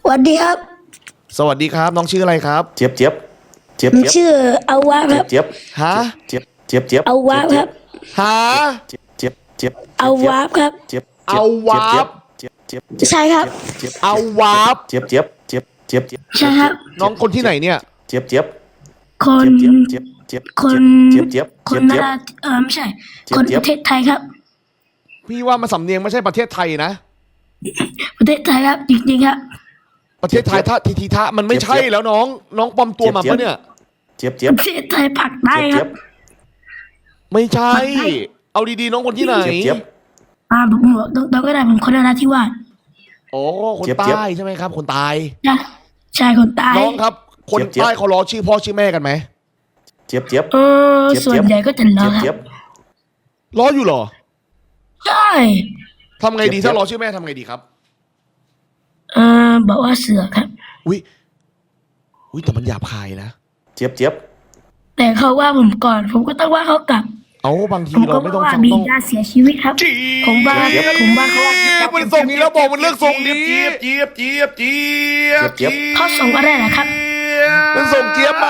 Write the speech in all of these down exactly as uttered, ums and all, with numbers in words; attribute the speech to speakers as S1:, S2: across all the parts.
S1: วัสดีครับ
S2: สวัสดีครับน้องชื่ออะไรครับ
S3: เจี๊ยบเจี๊ยบเจี๊ยบ
S1: ผม
S3: เจี๊ยบ
S1: ชื่ออาวะครับ
S3: เจี๊ยบ
S2: ฮะ
S3: เจี๊ยบเจี๊ยบเจี๊ยบ
S1: อาวะครับ
S2: ฮะ
S3: เจี๊ยบเจี๊ยบเจี๊ยบ
S1: อาวะครับ
S3: เจี๊ยบ
S2: เอาวาบ
S3: เจี๊ยบเจี๊ยบเจี๊ยบ
S1: ใช่ครับ
S3: เจี๊ยบ
S2: เอาวาบ
S3: เจี๊ยบเจี๊ยบเจี๊ยบเจี๊ยบเจี๊ยบ
S1: ใช่ครับ
S2: น้องคนที่ไหนเนี่ย
S3: เจี๊ยบเจี๊ยบ
S1: คน
S3: เจี๊ยบเจี๊ยบเจี๊ยบ
S1: คน
S3: เจี๊ยบเจี๊ยบ
S1: ค
S3: เจี๊ย
S1: น
S3: บ
S1: นา
S3: เจี๊ยบ
S1: ราเออไม่ใช่
S3: เจี๊ยบ
S1: คน
S3: เจี๊
S1: ป
S3: ยบ
S1: ระเทศไทยครับ
S2: พี่ว่ามันสำเนียงไม่ใช่ประเทศไทยนะ
S1: ประเทศไทยครับจริงๆครับ
S2: ประเทศไทยท่าทีทีทะมันไม่ใช่แล้วน้องน้องปลอมตัวมาปะเนี่ย
S3: เจี๊ยบเจี๊ย
S1: ป
S3: บ
S1: ระเทศไทยผักได้ค
S3: เจี๊
S1: รั
S3: ย
S1: บบ
S2: ไม่ใช่
S1: ไม่ใช่
S2: เอาดีๆน้องคนที่ไหน
S3: เจี๊ยบเจี๊ยบ
S1: อ่าผมบอกตรงๆก็ได้ผมคนนราธิวาส
S2: โอ้คน
S3: เจี๊ยบเจี๊ยบ
S2: ใต้ใช่ไหมครับคนตาย
S1: นะใช่คนใต้
S2: น้องครับ คน
S3: เจี๊ยบ
S2: ใต้เขาล้อชื่อพ่อชื่อแม่กันไหม
S3: เจี๊ยบเจี๊ยบ
S1: เออ
S3: เจี๊ยบ
S1: ส่วนใหญ่ก็จะรอ
S3: เจี๊ยบ
S1: ค
S3: เจี๊ย
S1: รั
S3: บบ
S2: ล้ออยู่เหรอ
S1: ใช่
S2: ทำไงดี
S3: เจี๊ยบ
S2: ถ้าล้อชื่อแม่ทำไงดีครับ
S1: เออบอกว่าเสือครับ
S2: อุ้ยอุ้ยแต่มันหยาบคายนะ
S3: เจี๊ยบเจี๊ยบ
S1: แต่เขาว่าผมก่อน ผมก็ต้องว่าเขากลับ
S2: เอาบางที
S1: ผม
S2: เรา
S1: ก็
S2: ไม่ต้อง
S1: ว่า
S2: ฟัง
S1: บี
S2: ต้อง
S1: ดาเสียชีวิตครับ ผมว่าผมว่าเขา
S2: มันส่งนี้แล้วบอกมันเลือกส่งนี้
S4: เจี๊ยบเจี๊ยบเจี๊ยบเจี๊ยบ
S3: เจี๊ยบ
S1: เขาส่งอะไรเหรอครับ
S2: มันส่งเจี๊ยบมา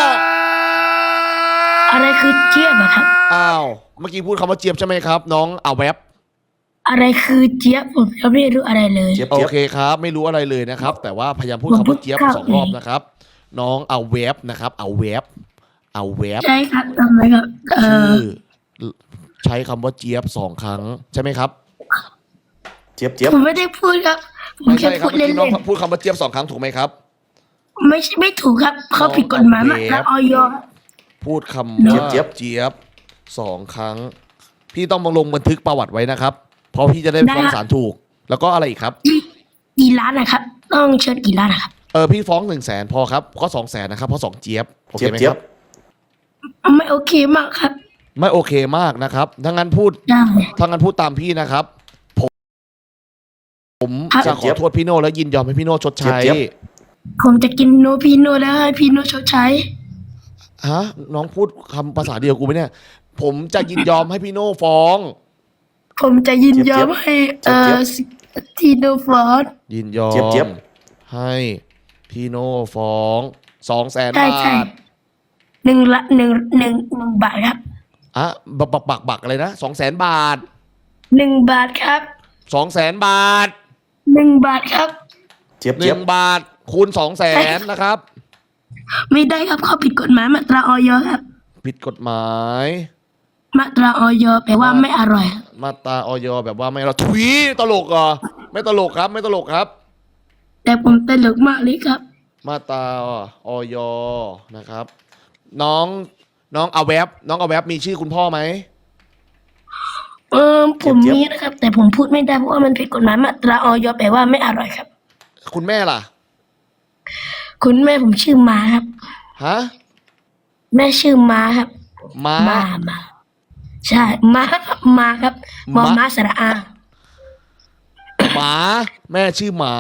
S1: อะไรคือเจี๊ยบอะครับ
S2: อ้าวเมื่อกี้พูดคำว่าเจี๊ยบใช่ไหมครับ น้องเอาแวบ
S1: อะไรคือเจี๊ยบผมยังไม่รู้อะไรเลย
S3: เจี๊ยบ
S2: โอ
S3: เจี๊ยบ
S2: เคครับ ไม่รู้อะไรเลยนะครับ แต่ว่าพยายามพูด
S1: ผม
S2: คำว่าเจี๊ยบ
S1: พูด
S2: สองรอบนะครับ น้องเอาแวบนะครับ เอาแวบเอาแวบ
S1: ใช่ครับทำไมครับเอ
S2: ชื่
S1: อ
S2: อใช้คำว่าเจี๊ยบสองครั้งใช่ไหมครับ
S3: เจี๊ยบเจี๊ยบ
S1: ผมไม่ได้พูดครับ ผม
S2: ไม่
S1: แค่
S2: ใช่ครั
S1: พู
S2: บ
S1: ด
S2: เมื่อ
S1: เล่
S2: กี้น้อง
S1: น
S2: พูดคำว่าเจี๊ยบสองครั้งถูกไหมครับ
S1: ๆไม่ใช่ไม่ถูกครับ เขาผิดกฎหมายมาแล้วออย
S2: พูดคำว่า
S3: เจี๊ยบ
S2: เจี๊ยบสองครั้ง พี่ต้องมาลงบันทึกประวัติไว้นะครับ เพราะพี่จะได้ฟ้องศาลถูก แล้วก็อะไรอีกครับ
S1: กี่ล้านนะครับ ต้องเชิญกี่ล้านนะครับ
S2: เออพี่ฟ้องหนึ่งแสนพอครับก็สองแสนนะครับเพราะสองเจี๊ยบโอเค
S3: เจี๊ยบ
S2: ไหม
S3: เจี๊
S2: ค
S3: ย
S2: รั
S3: บบ
S1: ไม่โอเคมากครับ
S2: ไม่โอเคมากนะครับถ้างั้นพูด
S1: ได้
S2: ถ้างั้นพูดตามพี่นะครับ ผมผม
S1: ครับ
S2: จะขอโทษพี่โน่และยินยอมให้พี่โน่ชดใช้
S1: ผมจะกินโนพีโนแล้วให้พี่โนชดใช้
S2: ฮะน้องพูดคำภาษาเดียวกูไหมเนี่ย ผมจะยินยอมให้พี่โน่ฟ้อง
S1: ผมจะยินยอมให้เอ่อทีโนฟอร์ด
S2: ยินยอ
S3: เจี๊ยบเจี๊ย
S2: ม
S3: บ
S2: ให้พี่โน่ฟ้องสองแสน
S1: ใช่
S2: บา
S1: ใช่
S2: ท
S1: หนึ่งละหนึ่งหนึ่งหนึ่งบาทครับ
S2: อ่ะบักบักบักบักอะไรนะสองแสนบาท
S1: หนึ่งบาทครับ
S2: สองแสนบาท
S1: หนึ่งบาทครับ
S3: เจี๊ยบ
S2: ห
S3: เจี๊ย
S2: นึ่
S3: บ
S2: งบาทคูณสองแสนนะครับ
S1: ไม่ได้ครับเขาผิดกฎหมายมาตราออยครับ
S2: ผิดกฎหมาย
S1: มาตราออยแปลว่าไม่อร่อยครับ
S2: มาตราออยแบบว่าไม่เราทุยตลกเหรอไม่ตลกครับ ไม่ตลกครับ
S1: แต่ผมตลกมากเลยครับ
S2: มาตราออยนะครับ น้องน้องเอาแวบน้องเอาแวบมีชื่อคุณพ่อไหม
S1: เออผมมีนะครับ แต่ผมพูดไม่ได้เพราะว่ามันผิดกฎหมายมาตราออยแปลว่าไม่อร่อยครับ
S2: คุณแม่ล่ะ
S1: คุณแม่ผมชื่อมาครับ
S2: ฮะ
S1: แม่ชื่อมาครับ
S2: ม้า
S1: มามาใช่มามาครับมอ
S2: มะ
S1: มาสระอา
S2: หมาแม่ชื่อหมา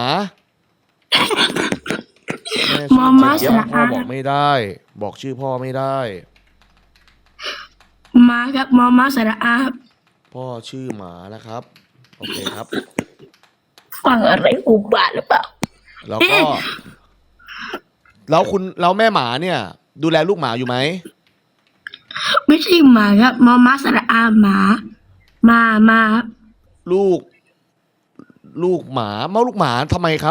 S2: แม่
S1: ม
S2: ชื่
S1: อ
S2: อ
S1: มาส
S2: เจี๊ยบ
S1: ระ
S2: พ่อ
S1: อา
S2: บอกไม่ได้ บอกชื่อพ่อไม่ได้
S1: มาครับมอมาสระอาครับ
S2: พ่อชื่อหมานะครับโอเคครับ
S1: ฟังอะไรอุบาทหรือเปล่า
S2: แล้วก็ แล้วคุณแล้วแม่หมาเนี่ย ดูแลลูกหมาอยู่ไหม
S1: ไม่ใช่หมาครับมอมาสระอาหมามามาครับ
S2: ลูก ลูกหมาเมาลูกหมาทำไมครับ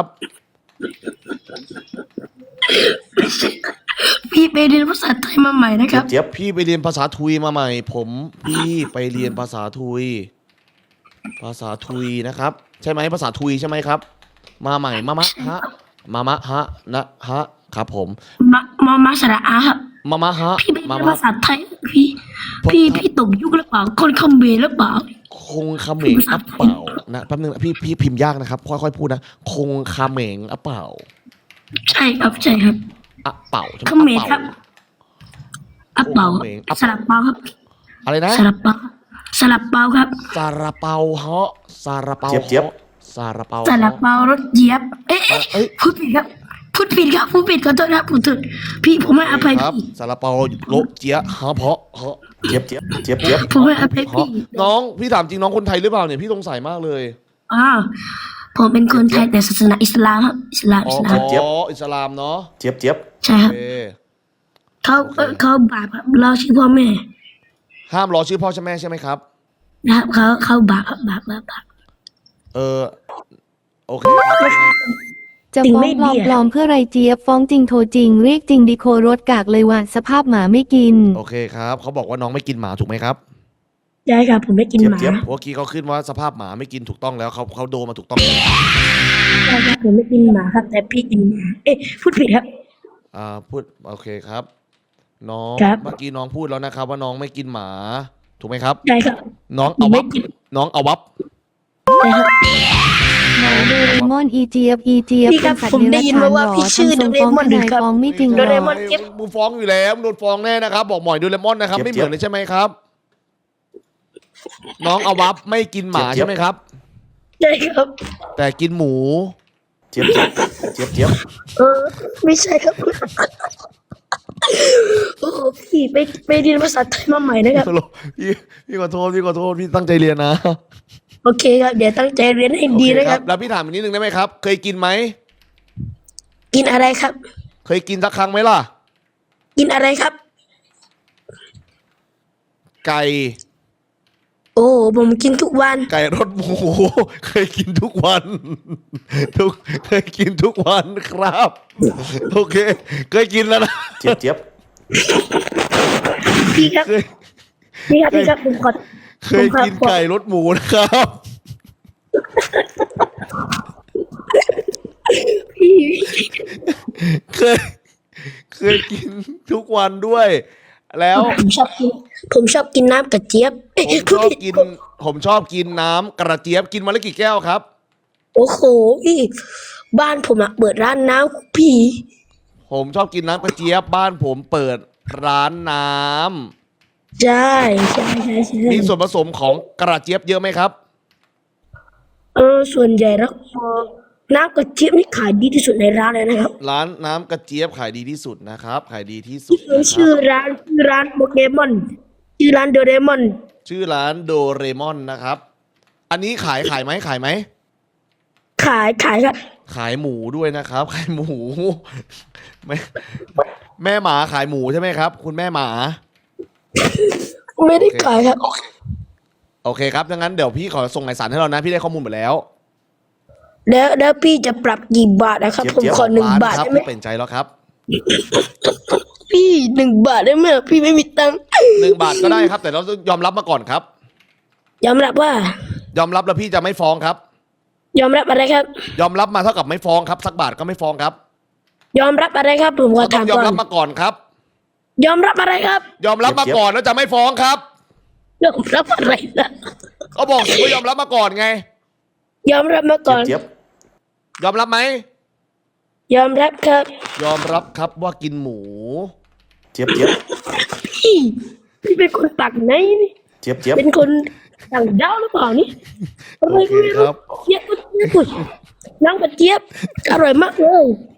S1: พี่ไปเรียนภาษาไทยมาใหม่นะค
S3: เจี๊
S1: รั
S3: ย
S1: บ
S3: บเจี๊ยบ
S2: พี่ไปเรียนภาษาทุยมาใหม่ ผมพี่ไปเรียนภาษาทุย ภาษาทุยนะครับ ใช่ไหมภาษาทุยใช่ไหมครับ มาใหม่มามะฮะมามะฮะนะฮะครับผม
S1: มามอมาสระอาครับ
S2: มามะฮะ
S1: พี่ไป
S2: มา
S1: เรียน
S2: มะ
S1: ภาษาไทยพี่ พี่พี่ตกยุคหรือเปล่าคนคอมเบหรือเปล่า
S2: คงคาเหมงอะเปล่านะแป๊บนึงนะพี่พี่พิมพ์ยากนะครับ ค่อยๆพูดนะคงคาเหมงอะเปล่า
S1: ใช่ครับใช่ครับ
S2: อะเปล่าใช่ไหม
S1: คอมเมนต์ครับอัปเปา
S2: คอมเมนต์อัป
S1: สลับเปาครับ
S2: อะไรนะ
S1: สลับเปาสลับเปาครับ
S2: ซาลาเปาเฮาะซาลาเปา
S3: เจี๊ยบเจี๊ยบ
S2: ฮาะซาลาเปา
S1: สลับ
S2: ฮาะ
S1: เปารถเหยียบ เอ๊ะเอ๊ะ
S2: เอ้ย
S1: พูดผิดครับพูดผิดครับพูดผิดขอโทษครับพูดผิดพี่ผมให้อภัย
S2: ครับ
S1: พี่
S2: ซาลาเปาโลเจียฮะเพาะเฮาะ
S3: เจี๊ยบเจี๊ยบเจี๊ยบเจี๊ยบ
S1: ผมให้อภัย
S2: เพราะ
S1: พี่
S2: น้องพี่ถามจริงน้องคนไทยหรือเปล่าเนี่ยพี่สงสัยมากเลย
S1: อ้าวผมเป็นคนไทยแต่ศาสนาอิสลามครับอิสลาม
S2: อ๋
S1: อิ
S2: อ
S1: สลาม
S2: อ๋ออิสลามเนาะ
S3: เจี๊ยบเจี๊ยบ
S1: ใช่ค
S2: โอ
S1: รับ
S2: เค
S1: เขา
S2: โอเค
S1: เอ่อเขาบาปครับเราชื่อพ่อแม่
S2: ห้ามรอชื่อพ่อชื่อแม่ใช่ไหมครับ
S1: นะครับเขาเขาบาปครับบาปบาปบาป
S2: เออโอเคครับ
S5: จะ
S1: จริง
S5: ฟ้อ
S1: ไม่
S5: งปลอม
S1: ดีอะ
S5: ปลอมเพื่อไรเจี๊ยบฟ้องจริงโทรจริงเรียกจริงดีโครถกากเลยว่ะสภาพหมาไม่กิน
S2: โอเคครับเขาบอกว่าน้องไม่กินหมาถูกไหมครับ
S1: ใช่ครับผมไม่กินหมา
S3: เจี๊ยบ
S2: เมื่อกี้เขาขึ้นว่าสภาพหมาไม่กินถูกต้องแล้วเขาเขาโดนมาถูกต้องแล้ว
S1: ใช่ครับผมไม่กินหมาครับ แต่พี่กินหมาเอ๊ะพูดผิดครับ
S2: อ่าพูดโอเคครับ น้อง
S1: ครับ
S2: เมื่อกี้น้องพูดแล้วนะครับ ว่าน้องไม่กินหมา ถูกไหมครับ
S1: ใช่ครับ
S2: น้องเอาวับ
S1: ไม่กิน
S2: น้องเอาวับ
S1: ใช่ครับ
S5: หมาโดเรมอนอีเจี๊ยบอีเจี๊ยบ
S1: พี่ครับ
S5: เป็นสัต
S1: ผม
S5: ว์เด
S1: ได้
S5: รัจ
S1: ยิน
S5: ฉาน
S1: มาว่า
S5: หรอ
S1: พี่ชื่อ
S5: ทำทรง
S1: โดเร
S5: ฟ้อง
S1: มอน
S5: ทนาย
S1: ครับ
S5: ฟ้องไม่จริงห
S1: โด
S5: ร
S1: เร
S5: อ
S1: มอน เจี๊ยบ
S2: มึงฟ้องอยู่แล้วมึงโดนฟ้องแน่นะครับ บอกหมอยโดเรมอนนะครับ ไม่เหมือนเลยใช่ไหมครับ น้องเอาวับไม่กินหมาใช่ไหมครับ
S1: ใช่ครับ
S2: แต่กินหมู
S3: เจี๊ยบเจี๊ยบเจี๊ยบเจี๊ยบ
S1: เออไม่ใช่ครับโอ้โหพี่ไปไปเรียนภาษาไทยมาใหม่นะครับ
S2: พี่พี่ขอโทษพี่ขอโทษพี่ตั้งใจเรียนนะ
S1: โอเคครับเดี๋ยวตั้งใจเรียนให้ดี
S2: โอเค
S1: นะครับ
S2: แล้วพี่ถามอีกนิดนึงได้ไหมครับ เคยกินไหม
S1: กินอะไรครับ
S2: เคยกินสักครั้งไหมล่ะ
S1: กินอะไรครับ
S2: ไก่
S1: โอ้ผมกินทุกวัน
S2: ไก่รสหมู เคยกินทุกวัน ทุกเคยกินทุกวันครับ โอเค เคยกินแล้วนะ
S3: เจี๊ยบเจี๊ยบ
S1: พี่ครับ
S2: เคย
S1: พี่ครับพี่ครับผมขอ
S2: เคยกินไก่รสหมูนะครับ
S1: พี่
S2: เคย เคยกินทุกวันด้วย แล้ว
S1: ผมชอบกิน ผมชอบกินน้ำกระเจี๊ยบเอ้ย
S2: ผมชอบกิน ผมชอบกินน้ำกระเจี๊ยบกินวันละกี่แก้วครับ
S1: โอ้โหพี่บ้านผมอะเปิดร้านน้ำพี่
S2: ผมชอบกินน้ำกระเจี๊ยบบ้านผมเปิดร้านน้ำ
S1: ใช่ใช่ใช่ใช่
S2: มีส่วนผสมของกระเจี๊ยบเยอะไหมครับ
S1: เออส่วนใหญ่แล้วเอ่อน้ำกระเจี๊ยบนี่ขายดีที่สุดในร้านเลยนะครับ
S2: ร้านน้ำกระเจี๊ยบขายดีที่สุดนะครับ ขายดีที่สุดนะค
S1: ชื่อ
S2: รับ
S1: ร้านชื่อร้านโปเกมอนชื่อร้านโดเรมอน
S2: ชื่อร้านโดเรมอนนะครับ อันนี้ขายขายไหมขายไหม
S1: ขายขายครับ
S2: ขายหมูด้วยนะครับ ขายหมู แม่แม่หมาขายหมูใช่ไหมครับ คุณแม่หมา
S1: ไม่ได้ขายครับ
S2: โอเคครับดังนั้นเดี๋ยวพี่ขอส่งเอกสารให้เรานะ พี่ได้ข้อมูลหมดแล้ว
S1: แล้วแล้วพี่จะปรับกี่บาทนะครับ ผมขอหนึ่งบาท
S2: ครับ
S1: ได้ไหม
S2: พี่เป็นใจแล้วครับ
S1: พี่หนึ่งบาทได้ไหมพี่ไม่มีตังค์
S2: หนึ่งบาทก็ได้ครับ แต่เราต้องยอมรับมาก่อนครับ
S1: ยอมรับว่า
S2: ยอมรับแล้วพี่จะไม่ฟ้องครับ
S1: ยอมรับอะไรครับ
S2: ยอมรับมาเท่ากับไม่ฟ้องครับ สักบาทก็ไม่ฟ้องครับ
S1: ยอมรับอะไรครับ ผมขอ
S2: ก็ต้อ
S1: ถาม
S2: งยอม
S1: ก่อน
S2: รับมาก่อนครับ
S1: ยอมรับอะไรครับ
S2: ยอมรับมาก่อนแล้วจะไม่ฟ้องครับ
S1: ยอมรับอะไรนะ
S2: ก็บอกสิว่ายอมรับมาก่อนไง
S1: ยอมรับมาก่อน
S3: เจี๊ยบ
S2: ยอมรับไหม
S1: ยอมรับครับ
S2: ยอมรับครับว่ากินหมู
S3: เจี๊ยบเจี๊ยบ
S1: พี่พี่เป็นคนปากไหนนี่
S3: เจี๊ยบเจี๊ยบ
S1: เป็นคนต่างดาวหรือเปล่านี่ทำไม
S2: โอเค
S1: ไม่
S2: ค
S1: รู้
S2: รับ
S1: เจี๊ยบก็เจี๊ยบน้ำกระเจี๊ยบอร่อยมากเลย